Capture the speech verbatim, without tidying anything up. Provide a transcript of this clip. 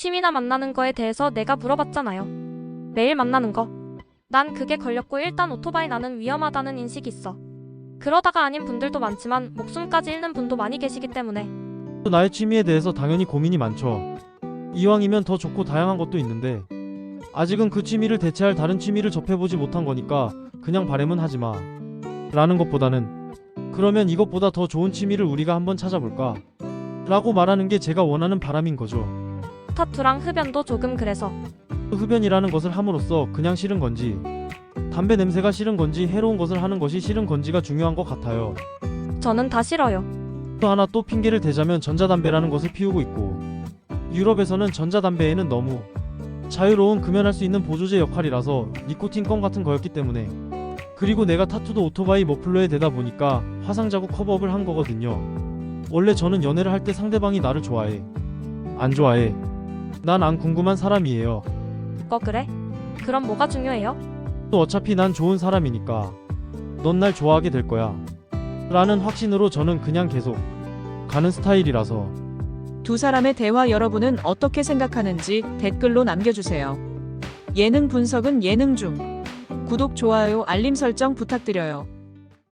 취미나 만나는 거에 대해서 내가 물어봤잖아요. 매일 만나는 거. 난 그게 걸렸고 일단 오토바이 나는 위험하다는 인식이 있어. 그러다가 아닌 분들도 많지만 목숨까지 잃는 분도 많이 계시기 때문에. 나의 취미에 대해서 당연히 고민이 많죠. 이왕이면 더 좋고 다양한 것도 있는데 아직은 그 취미를 대체할 다른 취미를 접해보지 못한 거니까 그냥 바램은 하지마 라는 것보다는 그러면 이것보다 더 좋은 취미를 우리가 한번 찾아볼까? 라고 말하는 게 제가 원하는 바람인 거죠. 타투랑 흡연도 조금 그래서. 흡연이라는 것을 함으로써 그냥 싫은 건지 담배 냄새가 싫은 건지 해로운 것을 하는 것이 싫은 건지가 중요한 것 같아요. 저는 다 싫어요. 또 하나 또 핑계를 대자면 전자담배라는 것을 피우고 있고 유럽에서는 전자담배에는 너무 자유로운 금연할 수 있는 보조제 역할이라서 니코틴 껌 같은 거였기 때문에 그리고 내가 타투도 오토바이 머플러에 대다 보니까 화상 자국 커버업을 한 거거든요. 원래 저는 연애를 할 때 상대방이 나를 좋아해 안 좋아해 난 안 궁금한 사람이에요. 거 그래? 그럼 뭐가 중요해요? 또 어차피 난 좋은 사람이니까 넌 날 좋아하게 될 거야 라는 확신으로 저는 그냥 계속 가는 스타일이라서. 두 사람의 대화 여러분은 어떻게 생각하는지 댓글로 남겨주세요. 예능 분석은 예능 중. 구독, 좋아요, 알림 설정 부탁드려요.